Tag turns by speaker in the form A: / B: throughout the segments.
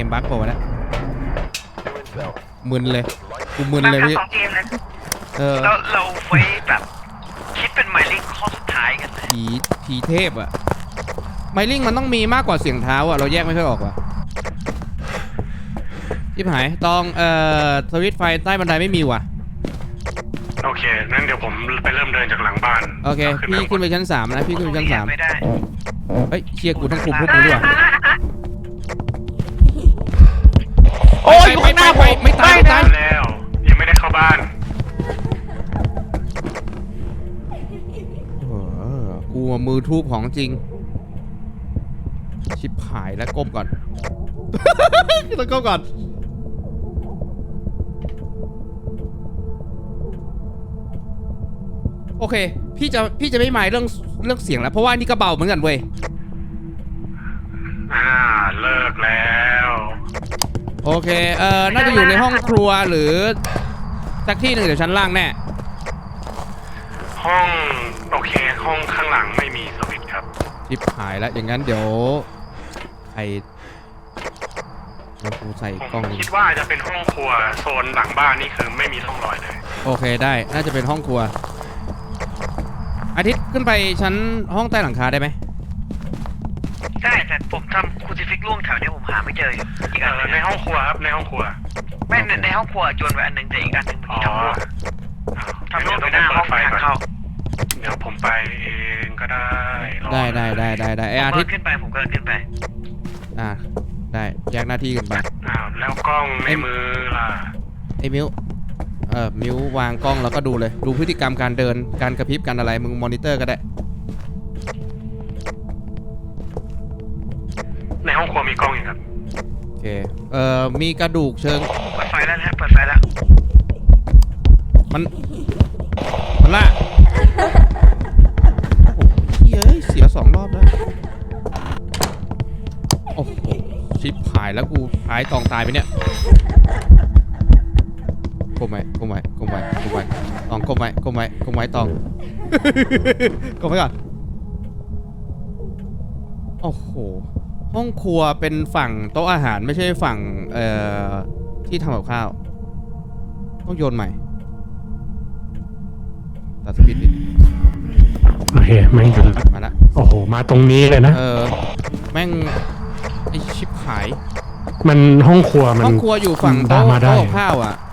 A: มบั๊กโผล่แล้วมึนเลยกูมึนเลยพี่
B: ของเกมนะ เราไว้แบบคิดเป็นหมายเลขข้อสุดท้ายกัน
A: ผีเทพอะไมลิงมันต้องมีมากกว่าเสียงเท้าอะเราแยกไม่ค่อยออกว่ะชิบหายตองสวิตช์ไฟใต้บันไดไม่มีว่ะ
C: โอเคงั้นเดี๋ยวผมไปเริ่มเดินจากหลังบ้าน
A: โอเคพี่ขึ้นไปชั้น3นะพี่ขึ้นไปชั้น3
B: ไม่ได้
A: เฮ้ยเชียร์กูต้องคุมพวกมึงด้วย
B: โอ้ย
A: ไปไม่ตาย
C: แล้วยังไม่ได้เข้าบ้าน
A: กูมือทูบของจริงชิบหายแล้วก้มก่อนต้องก้มก่อนโอเคพี่จะไม่หมายเรื่องเสียงแล้วเพราะว่านี่ก็เบาเหมือนกันเว้ย
C: เลิกแล้ว
A: โอเคน่าจะอยู่ในห้องครัวหรือสักที่หนึ่งเดี๋ยวชั้นล่างแน่
C: ห้องโอเคห้องข้างหลังไม่มีสวิตช์ครับ
A: ชิบหายแล้วอย่างนั้นเดี๋ยวกูใส่กล้อง
C: คิดว่าจะเป็นห้องครัวโซนหลังบ้านนี่คือไม่มีร่องรอยเลย
A: โอเคได้น่าจะเป็นห้องครัวอาทิตย์ขึ้นไปชั้นห้องใต้หลังคาได้ไหม
B: ได้แต่ผมทำคูซิฟิกล่วงแถวนี้ผมหาไม่เจออีกอัน
C: ในห้องครัวครับในห้องครัว
B: ไม่ในห้องครัวโยนไว้อันหนึ่งแต่อีกอันหนึ่งทำร่วงไปหน้าห้องทางเข้า
C: เดี๋ยวผมไปเองก็ได้
A: ไออาทิตย์
B: ขึ้นไปผมก็ขึ้นไป
A: ได้แยกหน้าที่กันไป
C: แล้วกล้องในมือล่ะ
A: ไอมิวมิววางกล้องแล้วก็ดูเลยดูพฤติกรรมการเดินการกระพริบกันอะไรมึงมอนิเตอร์ก็ได้
C: ในห้องครัวมีกล้องอยู่ครับ
A: โอเคมีกระดูกเชิง
B: เปิดไฟแล้วนะเปิดไฟแล้ว
A: มันล่ะเสีย2 รอบแล้วโอ้โหชิบหายแล้วกูหายตองตายไปเนี่ยก้มไว้ตองก้มไว้ตองก้มไว้ก่อนโอ้โหห้องครัวเป็นฝั่งโต๊ะอาหารไม่ใช่ฝั่งที่ทำกับข้าวต้องโยนใหม่ตัดสปีดนิด
C: โอเคแม่ง
A: มาละ
C: โอ้โหมาตรงนี้เลยนะ
A: แม่งไอชิบหาย
C: มันห้องครัว
A: อยู่ฝั่งโต๊ะข้าวอ่ะ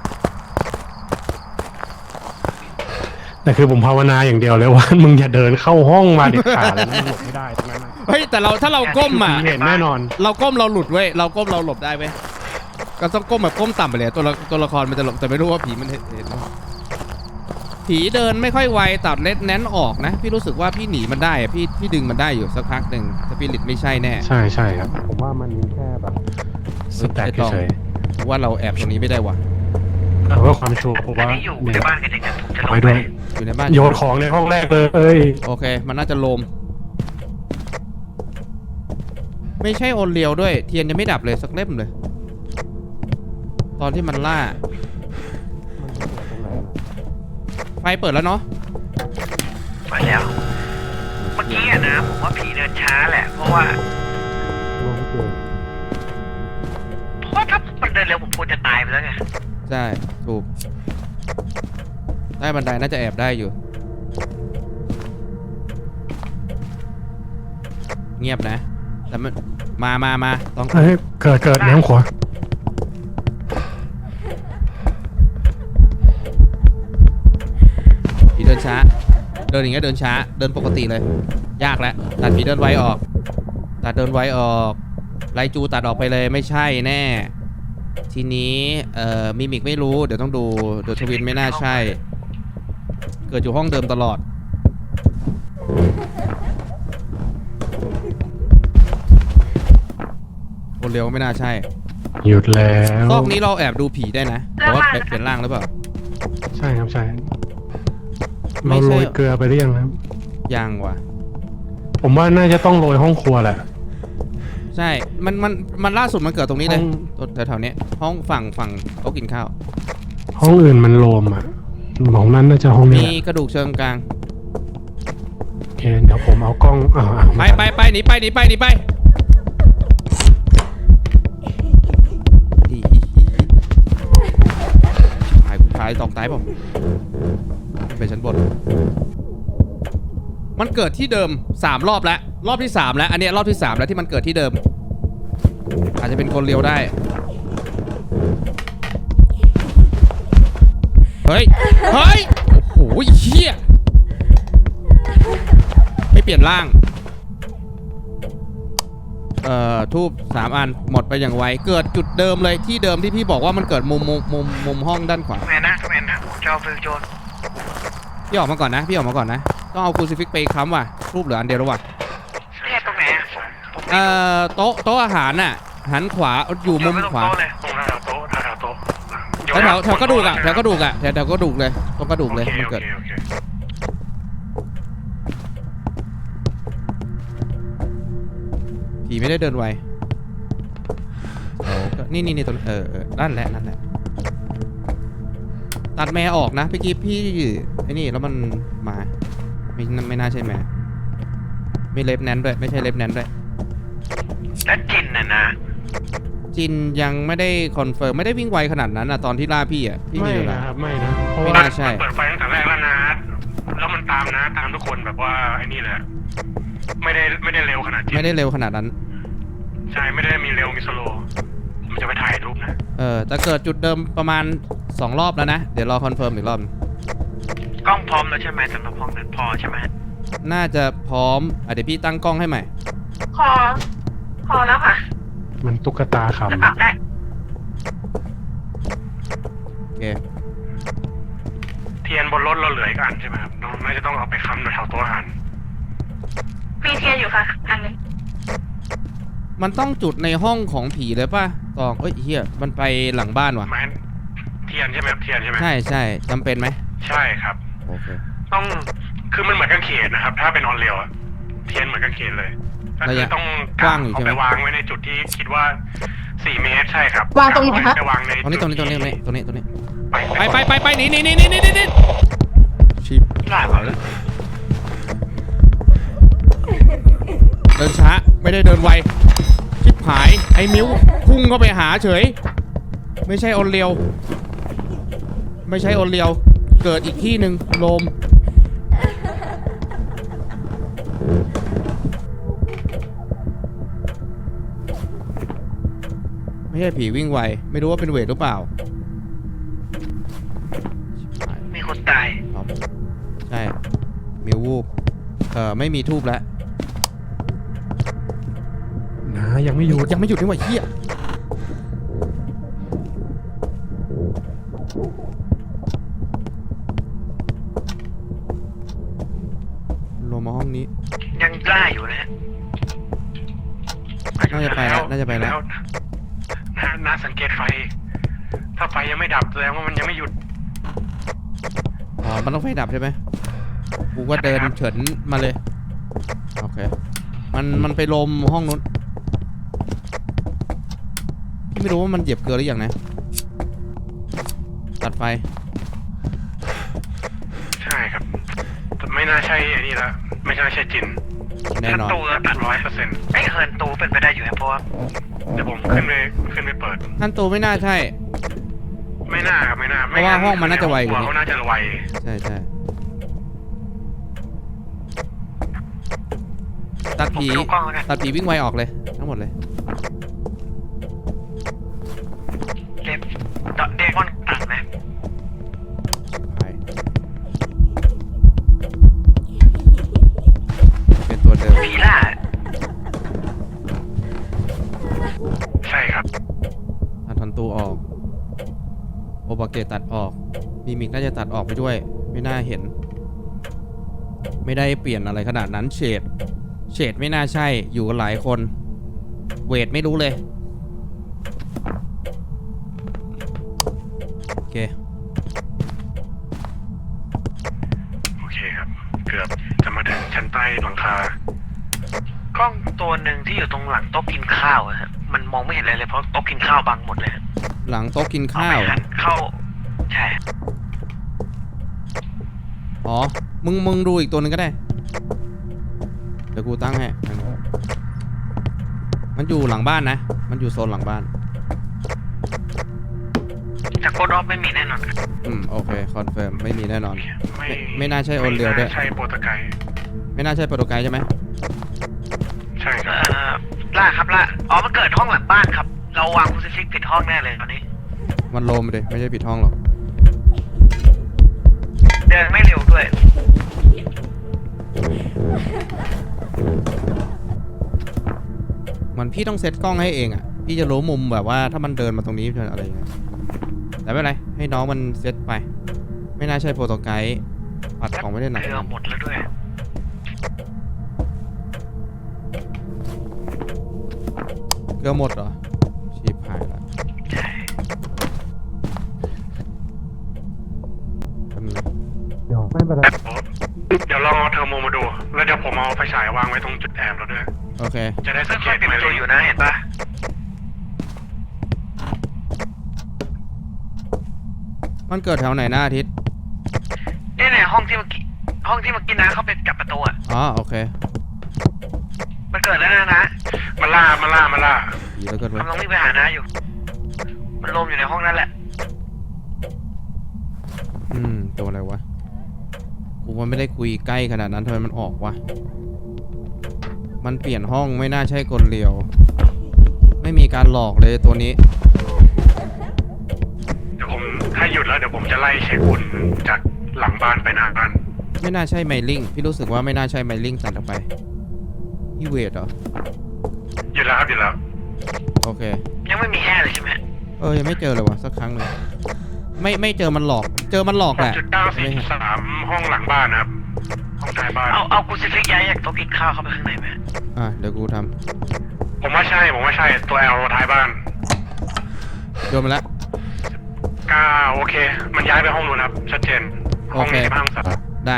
C: แต่คือผมภาวนาอย่างเดียวเลยว่ามึงอย่าเดินเข้าห้องมาเด็ดขาดเลยหลบไม่ได้ตรงนั้น
A: เฮ้ยแต่ถ้าเราก้มอ่ะ
C: เห็นแน่นอน
A: เราก้มเราหลุดเว้ยเราก้มเราหลบได้เว้ยก็ต้องก้มแบบก้มต่ำไปเลยตัวละครมันจะหลบแต่ไม่รู้ว่าผีมันเห็นผีเดินไม่ค่อยไวตัดเล็ดแน้นออกนะพี่รู้สึกว่าพี่หนีมันได้อะพี่ดึงมันได้อยู่สักพักหนึ่งสปิริตไม่ใช่แน่
C: ใช่ครับผมว่ามันแค่แบบสุดแต่เฉย
A: ว่าเราแอบตรงนี้ไม่ได้วะ
C: เพื่อความชัวร์ผมว่า
B: อยู่ในบ้านกันเองผมจะลง
C: ไป
A: อยู่ในบ้าน
C: โยนของในห้องแรกเลย
A: โอเคมันน่าจะโลมไม่ใช่โอนเลียวด้วยเทียนยังไม่ดับเลยสักเล่มเลยตอนที่มันล่าไฟเปิดแล้วเนาะ
B: ไปแล้วเมื่อกี้นะผมว่าผีเดินช้าแหละเพราะว่าถ้ามันเดินเร็วผมควรจะตายไปแล้วไง
A: ใช่ถูกใต้บันไดน่าจะแอบได้อยู่เงียบนะแต่มันมาต้อง
C: เกิดในห้องครัว
A: ผีเดินช้าเดินอย่างเงี้ยเดินช้าเดินปกติเลยยากแล้วตัดผีเดินไวออกไลจูตัดออกไปเลยไม่ใช่แน่ทีนี้มิมิกไม่รู้เดี๋ยวต้องดูเดอะทวินไม่น่าใช่เกิดอยู่ห้องเดิมตลอดคนเร็วไม่น่าใช่
C: หยุดแล้ว
A: ซอกนี้เราแอบดูผีได้นะแต่ว่าเปลี่ยนร่างหรือเปล่า
C: ใช่ครับใช่เราโรยเกลือไปหรือยังครับ
A: ยังว่ะ
C: ผมว่าน่าจะต้องโรยห้องครัวแหละ
A: ใช่มันล่าสุดมันเกิดตรงนี้เลยแถวๆนี้ห้องฝั่งโต๊ะกินข้าว
C: ห้องอื่นมันโลมอ่ะของนั้นน่าจะห้องนี้
A: มีกระดูกเชิงกลาง
C: โอเคเดี๋ยวผมเอากล้อง
A: ไปหนีไปาย2ตายเปล่าไปชั้นบนมันเกิดที่เดิม3รอบแล้วรอบที่3แล้วอันเนี้ยรอบที่3แล้วที่มันเกิดที่เดิมอาจจะเป็นคนเลี้ยวได้เฮ้ยเฮ้ยโอ้โหเหี้ยไม่เปลี่ยนร่างทูบ3อันหมดไปอย่างไวเกิดจุดเดิมเลยที่เดิมที่พี่บอกว่ามันเกิดมุมห้องด้านขวา
B: แมนนะเจ้าฟิลโจน
A: พี่ออกมาก่อนนะต้องเอาคูซิฟิกไปค้ำว่ะรูปเหลืออันเดียวแล้วว่ะ
B: เนี่ยตรงไหนอะผม
A: โต๊ะอาหารน่ะหันขวาอยู่มุมขวา
B: โต๊ะเลย
C: ตรงหน้าโต๊ะโต๊ะ
A: แถวกระดูกอ่ะแถวกระดูกเลยตรงกระดูกเลยมันเกิดผีไม่ได้เดินไวนี่ตัวนั่นแหละตัดแม่ออกนะพี่กิ๊ฟพี่ไอ้นี่แล้วมันมาไม่น่าใช่แม่ไม่เล็บแนนด้วยไม่ใช่เล็บแนนด้วย
B: แล้วจินน่ะนะ
A: จินยังไม่ได้คอนเฟิร์มไม่ได้วิ่งไวขนาดนั้นนะตอนที่ล่าพี่อ่ะพี่
C: ไม่
A: มีอยู่
C: นะ
A: แล้ว
C: ครับไม่นะเพราะ
A: ไม่
C: ว่า
A: น่าใช่
C: เปิดไฟตั้งแต่แรกแล้วนะแล้วมันตามทุกคนแบบว่าไอ้นี่แหละไม่ได้เร็วขนาดจิน
A: ไม่ได้เร็วขนาดนั้น
C: ใช่ไม่ได้มีเร็วมีสโลว์มันจะไปถ่ายรูปนะ
A: แต่เกิดจุดเดิมประมาณ2รอบแล้วนะเดี๋ยวรอคอนเฟิร์มอีกรอบ
B: กล้องพร้อมแล้วใช่ไหมสำหรับห้องนั้นพอใช่ไหม
A: น่าจะพร้อมเดี๋ยวพี่ตั้งกล้องให้ใหม่
B: พอแล้วค่ะ
C: มันตุ๊กตา
B: จะปรับ
C: ขำ
B: ได้
A: โอเค
C: เทียนบนรถเราเหลืออีกอันใช่ไหมครับน้องน่าจะต้องเอาไปค้ำแถวโต๊ะอาหาร
B: มีเทียนอยู่ค่ะอันนึง
A: มันต้องจุดในห้องของผีเลยป่ะตองเฮียมันไปหลังบ้านว่ะ
C: ไม้เทียนใช่ไหมครับเทียนใช่ไหม
A: ใช่จำเป็นไหม
C: ใช่ครับ
A: โอเค
C: ต้องคือมันเหมือนกางเขนนะครับ ถ้าเป็นออนเรียวอะเทียนเหมือนกางเขนเลยก็คือต้อง
A: กว้างอยู่ใช่ไหม
C: เอาไปวางไว้ในจุดที่คิดว่า4 เมตรใช่ครับ
D: วางตรงไหนคะ
C: ไปวางใน
A: ตรงนี้
C: จุดที่
A: ไปหนีชิป
B: หลาย
A: เอาแล้วเดินช้าไม่ได้เดินไวชิปหายไอ้มิ้วพุ่งเข้าไปหาเฉยไม่ใช่ออนเรียวเกิดอีกที่หนึ่งโลมไม่ใช่ผีวิ่งไวไม่รู้ว่าเป็นเวทหรือเปล่า
B: มีคนตาย
A: ครับใช่มิววูบไม่มีทูบแล้ว
C: นะยังไม่หยุด
A: ยังไม่หยุดนี่หว่าเฮียลงมาห้องนี้
B: ยังกล้าอยู่นะฮะ
A: น่าจะไปแล้ว
C: น่าสังเกตไฟ ถ้าไฟยังไม่ดับแสดงว่ามันยังไม่หยุด
A: อ๋อมันต้องไฟดับใช่ไหมกูก็เดินเฉินมาเลยโอเคมันไปลมห้องนู้นไม่รู้ว่ามันเหยียบเกลือหรือยังนะตัดไฟ
C: ใช่ครับแต่ไม่น่าใช่ไอ้นี่ละไม่น่าใช่จิน
A: แน่นอน
B: ตูตัด
C: 100%
B: ไอ้เฮิร์นตูเป็นไปได้อยู่นะเพราะว่า
C: เดี๋ยวผมขึ้นไปเปิด
A: ท่านตูไม่น่าใช่
C: ไม่น่าครับไม่น่า
A: เพราะว่าห้องมันน่าจะไวกว่านี้
C: เขาน่าจะไว
A: ใช่ตัด
B: ผม
A: ผี
B: ดูกล้องแล้วกัน
A: ตัดผีวิ่งไวออกเลยทั้งหมดเลย
B: เดมอนตัดไหม
A: ไปเป็นตัวเดิม
B: ผีล่า
C: ใช่ครับ
A: ตัดทันตูออกโอบาเกตตัดออกมีมิกน่าจะตัดออกไปด้วยไม่น่าเห็น ไม่ได้เปลี่ยนอะไรขนาดนั้นเฉดไม่น่าใช่อยู่กันหลายคนเวทไม่รู้เลยโอเค
C: โอเคครับ เกือบจะมาถึงชั้นใต้หลังคาก
B: ล้องตัวหนึ่งที่อยู่ตรงหลังโต๊ะกินข้าวอะฮะมันมองไม่เห็นอะไรเลยเพราะโต๊ะกินข้าวบังหมดเลยฮะ
A: หลังโต๊ะกิน
B: เอา
A: ข้า
B: ไป
A: ว
B: หันเข้าใช่
A: อ๋อมึงดูอีกตัวหนึงก็ได้เดี๋ยวกูตั้งให้มันอยู่หลังบ้านนะมันอยู่โซนหลังบ้าน
B: จากโคดออฟไม่มีแน่นอนครับ
A: โอเคคอนเฟิร์มไม่มีแน่นอน
C: ไม่
A: ไม่น่าใช่โอนเรียวด้วย
C: ไม่น่าใช่โปรโตไกด์
A: ไม่น่าใช่โปรโตไกด์ใช่ไหม
C: ใช่ครับ
B: ล่าครับล่าอ๋อมันเกิดห้องหลังบ้านครับเราวางคูซิฟิกผิดห้องแน่เลยตอนนี้
A: มันโลมเลยไม่ใช่ผิดห้องหรอก
B: เดินไม่เร็วด้วย
A: มันพี่ต้องเซตกล้องให้เองอ่ะพี่จะรู้มุมแบบว่าถ้ามันเดินมาตรงนี้อะไรอย่างเงี้ยแต่ไม่เป็นไรให้น้องมันเซตไป ไม่น่าใช่โปรโตไกด์ปัดของไม่ได้หนัก
B: เกลือหมดแล้วด้วย
A: เกลือหมดเหรอชีพหายละ
B: ใช่
A: แป๊บนึงนะ
C: เดี๋ยวไม่เป็นไรเดี๋ยวลองเอาเทอร์โมมาดู แล้วเดี๋ยวผมเอาไฟฉายวางไว้ตรงจุดแอบเราด้วย
A: โอเค
C: จะได้สังเก
B: ค่อย
C: ต
B: ๆปิด
C: ไหม
B: ประตูอยู่นะเห็นปะ
A: มันเกิดแถวไหนหน้าอาทิตย์
B: เนี่ยห้องที่เมื่อกี้นะเขาไปกับประตูอ่ะ
A: อ๋อโอเค
B: มันเกิดแล้วนะ
C: มาล่า
A: ดีแล้วเกินไป
B: กำลังวิ่งไปหานะอยู่ มันลมอยู่ในห้องนั่นแหละ
A: ตัวอะไรวะกูว่าไม่ได้คุยใกล้ขนาดนั้นทำไมมันออกวะมันเปลี่ยนห้องไม่น่าใช่กลเลียว ไม่มีการหลอกเลยตัวนี้
C: เดี๋ยวผมถ้าหยุดแล้วเดี๋ยวผมจะไล่เช็คอุ่นจากหลังบ้านไปหน้าบ้าน
A: ไม่น่าใช่ไมลิงพี่รู้สึกว่าไม่น่าใช่ไมลิงตัดออกไปพี่เวทเหรอ
C: หยุดแล้วครับหยุดแล้ว
A: โอเค
B: ยังไม่มีแห่เลยใช่ไหม
A: ยังไม่เจอเลยวะสักครั้งหนึ่งไม่เจอมันหลอกเจอมันหลอกแหละไม่เห็น
C: 6.943ห้องหลังบ้านนะครับ ห้องท้ายบ้าน
B: เอาคูซิฟิกย้ายจากโต๊ะกินข้าวเข้าไปข้างในไหม
A: เดี๋ยวกูท
C: ผมว่าใช่ตัวแอลท้ายบ้าน
A: ำโยนมาแล้ว
C: โอเค มันย้ายไปห้องนู้นครับชัดเจนห้องนี้ห้องสัตว์
A: ได้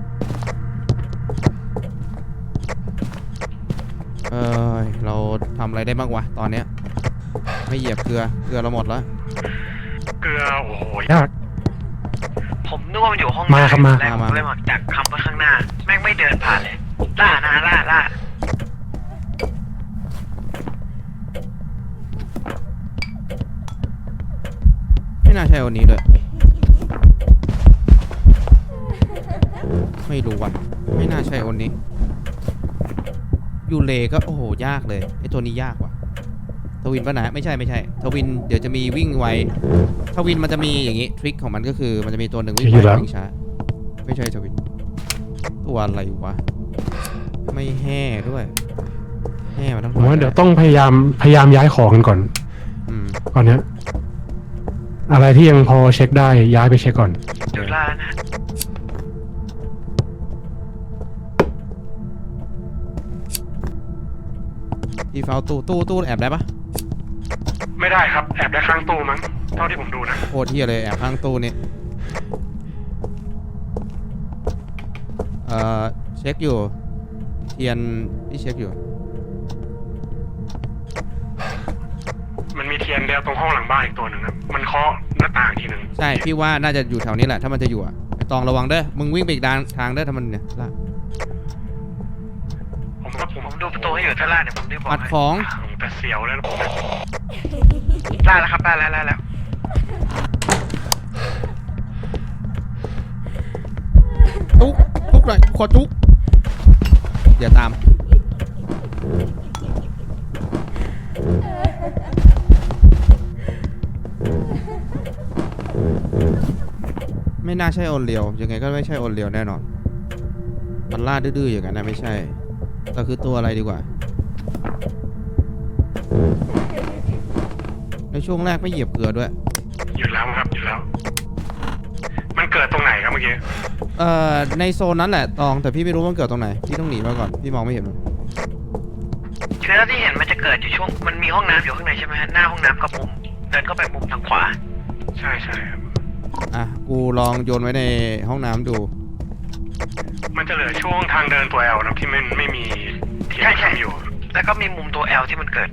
A: เราทำอะไรได้บ้างวะตอนเนี้ยไม่เหยียบเกลือเราหมดแล้ว
C: เกลือโอ้โหยาก
B: ผมนึกว่ามันอยู่ห้อง
C: มาครับมา
B: แล้วผมเลยบอกจากคำไปข้างหน้า แม่งไม่เดินผ่านเลยล่านะล่า
A: ไม่น่าใช่วันนี้ด้วยไม่รู้ว่ะไม่น่าใช่วันนี้ยูเลก็โอ้โหยากเลยไอตัวนี้ยากว่ะทวินปะนะไม่ใช่ทวินเดี๋ยวจะมีวิ่งไวทวินมันจะมีอย่างงี้ทริคของมันก็คือมันจะมีตัวหนึ่งวิ่งไววิ่งช้าไม่ใช่ทวินตัวอะไรวะไม่แห่ด้วยแห่มาทั้ง
C: ผมว่าเดี๋ยวต้องพยายามย้ายของกันก่อน ก่อนเนี้ยอะไรที่ยังพอเช็คได้ย้ายไปเช็คก่อน
B: เดี๋ยวล่านะ
A: ที่เฝ้าตู้แอบได้ปะ
C: ไม่ได้ครับแอบได้ข้างตู้มั้งเท่าที่ผมดูนะ
A: โคตรเที่ยเลยแอบข้างตู้นี่เช็คอยู่เทียนที่เช็คอยู่
C: มันมีเทียนเดียวตรงห้องหลังบ้านอีกตัวหนึ่งครับมันเคาะหน้าต่างทีหนึ่ง
A: ใช่พี่ว่าน่าจะอยู่แถวนี้แหละถ้ามันจะอยู่อ่ะไอตองระวังเด้อมึงวิ่งไปอีกทางเด้อถ้ามันเนี่ยล่ะ
B: ผมดูประตูให้อยู่ถ้าล่าเดี๋ยวผมรีบบอก
A: อัด
B: ให้
A: ของ
C: แต่เสียวแล้ว
B: ล่าแล้วครับล่าแล้ว
A: ทุกหน่อยขอทุกอย่าตามไม่น่าใช่โอนเลียวยังไงก็ไม่ใช่โอนเลียวแน่นอนมันล่าดื้อๆอย่างนั้นนะไม่ใช่แต่คือตัวอะไรดีกว่าในช่วงแรกไม่เหยียบเกลือด้วย
C: หยุดแล้วครับหยุดแล้ว มันเกิดตรงไหนครับเมื่อกี้
A: ในโซนนั้นแหละตองแต่พี่ไม่รู้ว่ามันเกิดตรงไหนพี่ต้องหนีมาก่อนพี่มองไม่เห็นมัน
B: คือที่เห็นมันจะเกิดอยู่ช่วงมันมีห้องน้ำอยู่ข้างในใช่ไหมฮะหน้าห้องน้ำกับมุมเดินเข้าไปมุมทางขวา
C: ใช่ครับ
A: กูลองโยนไว้ในห้องน้ำดู
C: มันจะเหลือช่วงทางเดินตัวแอลนะที่มันไม่มีเทียนทำอยู่
B: แล้วก็มีมุมตัว L ที่มันเกิด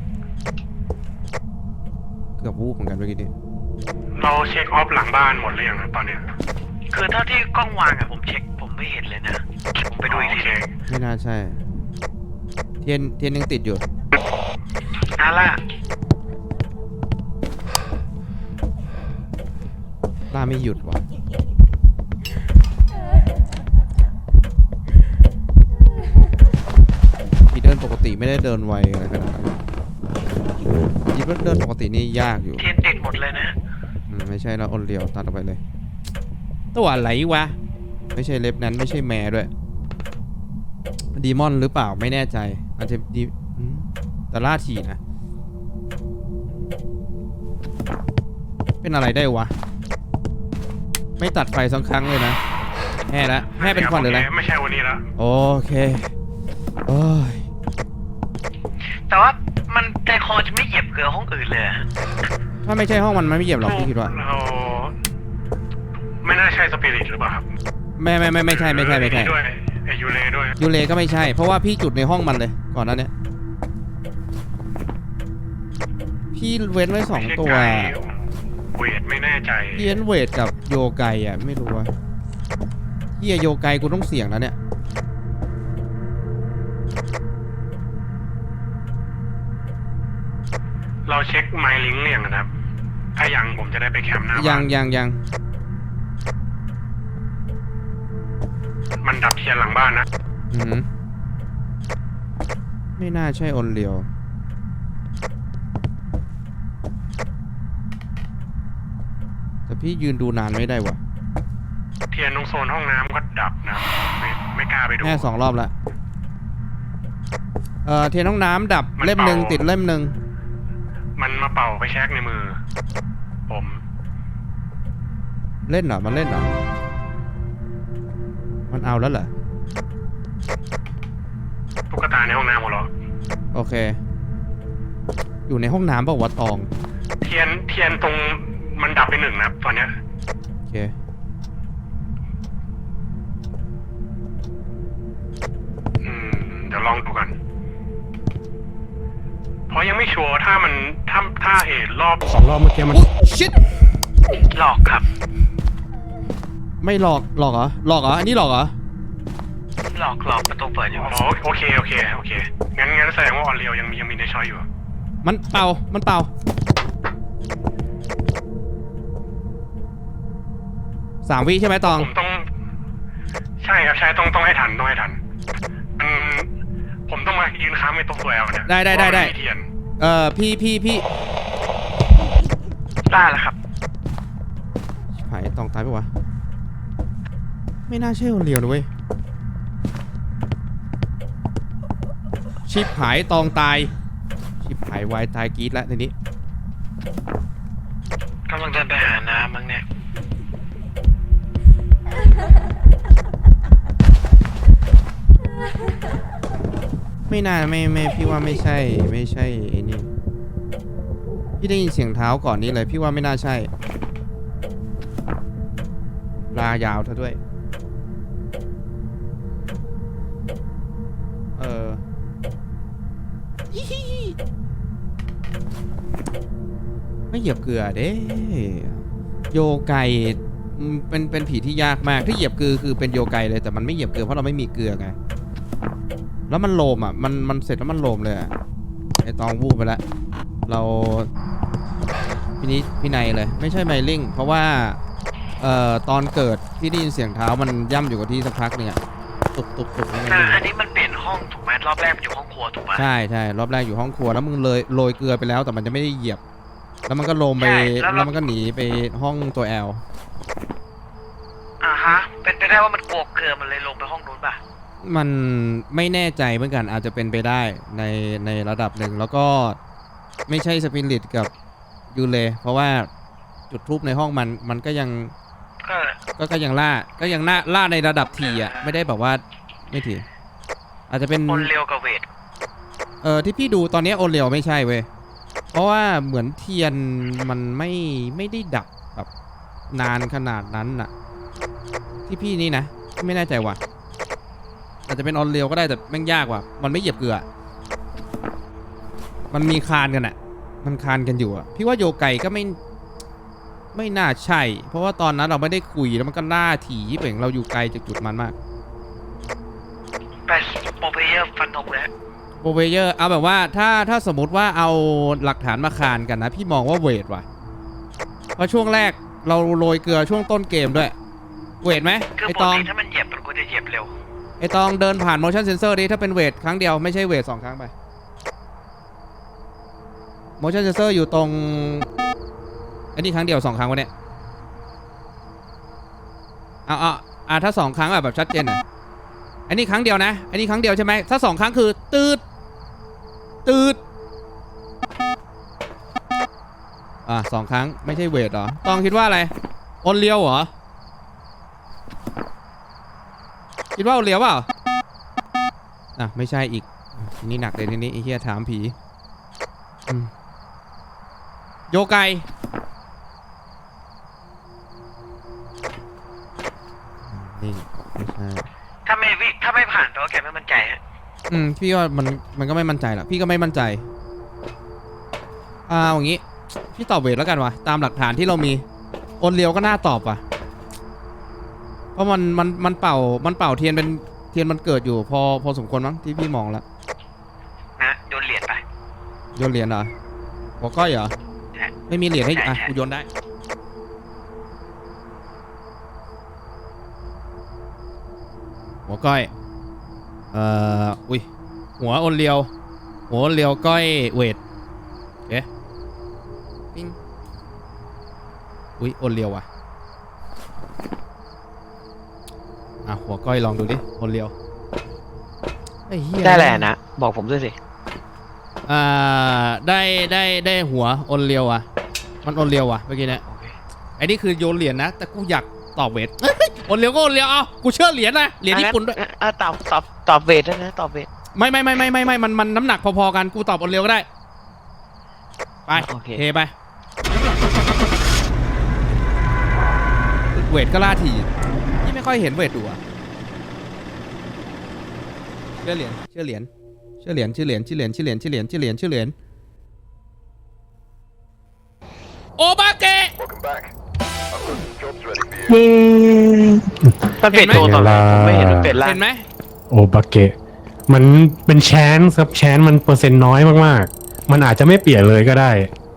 A: เกือบวูบเหมือนกันเมื่อกี้นี้
C: เราเช็คออฟหลังบ้านหมดหรือยังนะตอนเนี้ย
B: คือเท่าที่กล้องวางอะผมเช็คผมไม่เห็นเลยนะผมไปดูอีกที
A: ไม่น่าใช่เทียนยังติดอยู่
B: ล่า
A: ล่าไม่หยุดว่ะพี่เดินปกติไม่ได้เดินไวอะไรขนาดนั้นพี่เดินปกตินี่ยากอยู่
B: เทียนติดหมดเลยนะ
A: ไม่ใช่แล้วออนเลียวตัดออกไปเลยตัวอะไรวะไม่ใช่เล็บนั้นไม่ใช่แมร์ด้วยดีมอนหรือเปล่าไม่แน่ใจอาจจะดีแต่ล่าถี่นะเป็นอะไรได้วะไม่ตัดไฟสักครั้งเลยนะแห่ละแห่เป็นควันหรืออะไร
C: ไม่ใช่วันนี้ละ
A: โอเคโอ้ย
B: แต่ว่ามันใจคอจะไม่เหยียบเกลือห้องอื่นเลยอะ
A: ถ้าไม่ใช่ห้องมันไม่เหยียบหรอกพี่คิดว่า
C: เราไม่น่าใช่สปิริตหรือเปล่าครับ
A: ไม่ใช่
C: ด้วยไอยูเลด้วย
A: ยูเลก็ไม่ใช่เพราะว่าพี่จุดในห้องมันเลยก่อนหนั้นเนี่ยพี่เว้นไว้2 ตัว
C: เวทไม่แน่ใจ
A: เยียนเวทกับโยไกอ่ะไม่รู้ว่าเฮียโยไกกูต้องเสี่ยงแล้วเนี่ย
C: เราเช็คไมล์ลิงก์เนี่ยนะครับถ้ายังผมจะได้ไปแคมป์หน้าบ้าน
A: ยัง
C: มันดับเทียนหลังบ้านนะ
A: อืมไม่น่าใช่ออนเลียวแต่พี่ยืนดูนานไม่ได้วะ
C: เทียนตรงโซนห้องน้ำก็ดับนะไม่กล้าไปดู
A: แค่2 รอบละเทียนห้องน้ำดับ
C: มัน
A: เล่มหนึ่ง
C: เป่า
A: ติดเล่มหนึ่ง
C: มันมาเป่าไปแช็กในมือ ผม
A: เล่นเหรอมันเล่นเหรอมันเอาแล้วเหรอ
C: ตุ๊กตาในห้องน้ำของเรา
A: โอเค อยู่ในห้องน้ำเปล่าวะตอง
C: เทียนตรงมันดับไป1นะตอนเนี้ย
A: โอเค
C: เดี๋ยวลองดูกันเพราะยังไม่ชัวร์ถ้ารอบ2 รอบเมื่อกี้มัน
A: ชิต
B: หลอกครับ
A: ไม่หลอกเหรออันนี้หลอกเหรอ
B: หลอกประตูเปิดอยู่
C: อ๋อโอเคงั้นแสดงว่าออนเรียวยังมีในช้อยอยู่
A: มันเป่า3 วิใช่ไหมตอง
C: ผมต้องใช่ครับใช่ต้องให้ทันผมต้องมายืนค้ำในตัวตัวแอลเนี่ย
A: ได้
C: เพราะมันมีเทียน
A: พี่
B: ได้แล้วครับ
A: หายตองตายปะวะไม่น่าใช่คนเดียวนะเว้ยชิบหายตองตายชิบหายวายตายกรีดแล้วทีนี้
B: กำลังเดินไปหาน้ำมั้งเนี่ย
A: ไม่น่าไม่พี่ว่าไม่ใช่ไอ้นี่พี่ได้ยินเสียงเท้าก่อนนี้เลยพี่ว่าไม่น่าใช่ลายาวเธอด้วยไม่เหยียบเกลือเด้โยไกเป็นผีที่ยากมากที่เหยียบเกลือคือเป็นโยไกเลยแต่มันไม่เหยียบเกลือเพราะเราไม่มีเกลือไงแล้วมันโลมอ่ะมันเสร็จแล้วมันโลมเลยอ่ะไอตองวูบไปแล้วเราพี่นายเลยไม่ใช่ไมลิงเพราะว่าตอนเกิดพี่ได้ยินเสียงเท้ามันย่ำอยู่กับที่สักพักเนี่ยตุบ
B: อันนี้มันเปลี่ยนห้องถูกไหมรอบแรกมันอยู่ห้องครัวถูกไหม
A: ใช่รอบแรกอยู่ห้องครัวแล้วมึงเลยโรยเกลือไปแล้วแต่มันจะไม่ได้เหยียบแล้วมันก็ลงไปแล้วมันก็หนีไปห้องตัวแอล
B: ฮะเป็นไปได้ว่ามันกลัวเกลือมันเลยลงไปห้องนู้นป่ะ
A: มันไม่แน่ใจเหมือนกันอาจจะเป็นไปได้ในระดับหนึ่งแล้วก็ไม่ใช่สปิริตกับยูเลเพราะว่าจุดทูบในห้องมันก็ยังล่าในระดับทีอ่ะไม่ได้แบบว่าไม่ทีอาจจะเป็น
B: โอนเร็วกับเวท
A: ที่พี่ดูตอนนี้โอเลียวไม่ใช่เว้ยเพราะว่าเหมือนเทียนมันไม่ได้ดับแบบนานขนาดนั้นน่ะที่พี่นี่นะไม่แน่ใจว่ะอาจจะเป็นออนเลียวก็ได้แต่แม่งยากว่ะมันไม่เหยียบเกลือมันมีคานกันอ่ะมันคานกันอยู่อ่ะพี่ว่าโยไกก็ไม่น่าใช่เพราะว่าตอนนั้นเราไม่ได้คุยแล้วมันก็ล่าถี่เป่งเราอยู่ไกลจากจุดมันมาก
B: ไปโปรเพเยอร์ฟันธงเลย
A: โปรเวเยอร์เอาแบบว่าถ้าสมมติว่าเอาหลักฐานมาคานกันนะพี่มองว่าเวทว่ะเพราะช่วงแรกเราโรยเกลือช่วงต้นเกมด้วย เวทไหม
B: คือ
A: ไอ
B: ป
A: ต
B: ก
A: อง
B: ติถ้ามันเหยียบมันควรจะเหยียบเร็ว
A: ไอตองเดินผ่าน motion sensor ดิถ้าเป็นเวทครั้งเดียวไม่ใช่เวท2 ครั้งไป motion sensor อยู่ตรงอันนี้ครั้งเดียว2 ครั้งวะเนี่ยเอาถ้า2 ครั้งแบบชัดเจนหน่อยอันนี้ครั้งเดียวนะอันนี้ครั้งเดียวใช่ไหมถ้า2 ครั้งคือตืด2 ครั้งไม่ใช่เวทเหรอตองคิดว่าอะไรโอนเลียวเหรอคิดว่าโอนเลียวเปล่าไม่ใช่อีกทีนี้หนักเลยทีนี้ไอ้เหี้ยถามผีโยไกนี่ไม่ใช่
B: ถ้าไม่ผ่านแปลว่าแกไม่มั่นใจฮะ
A: พี่ว่ามันก็ไม่มั่นใจหรอกพี่ก็ไม่มั่นใจอย่างงี้พี่ตอบเวทแล้วกันวะตามหลักฐานที่เรามีโอนเลียวก็น่าตอบว่ะเพราะมันเป่าเทียนเป็นเทียนมันเกิดอยู่พอสมควรมั้งที่พี่มองแล้ว
B: นะโยนเหรียญไป
A: โยนเหรียญเหรอหัวก้อยเหรอ
B: ใช่
A: ไม่มีเหรียญให้
B: ใช่
A: กูโยนได้หัวก้อยอุ้ยหัวโอนเลียวก้อยเวทเอ๊ะปิ้งอุ้ยโอนเลียวว่ะหัวก้อยลองดูดิโอนเลียวไอ้เหี้ย
B: ได้แหละนะบอกผมด้วยสิ
A: ได้หัวโอนเลียวอ่ะมันโอนเลียวอ่ะเมื่อกี้เนี่ย
B: โอเค
A: ไอ้นี่คือโยนเหรียญนะแต่กูอยากตอบเวทโอนเลียวก็โอนเลียวกูเชื่อเหรียญนะเหรียญญี่ปุ่นด้วย
B: ตอบเวทด้วยนะตอบเวท
A: ไม่มันน้ำหนักพอๆกันกูตอบโอนเลียวก็ได้ไป
B: โอเค
A: เทไปเวทก็ล่าถี่ที่ไม่ค่อยเห็นเวทดูอะเชื่อเหรียญโอบาเกะ
B: มันเปลี่ยนตัวต่อไปผมไม่เห็นมันเปลี่ยนร่าง
A: เห็นไหม
C: โอบาเกะมันเป็นแชนส์ครับแชนส์มันเปอร์เซ็นต์น้อยมากๆมันอาจจะไม่เปลี่ยนเลยก็ได้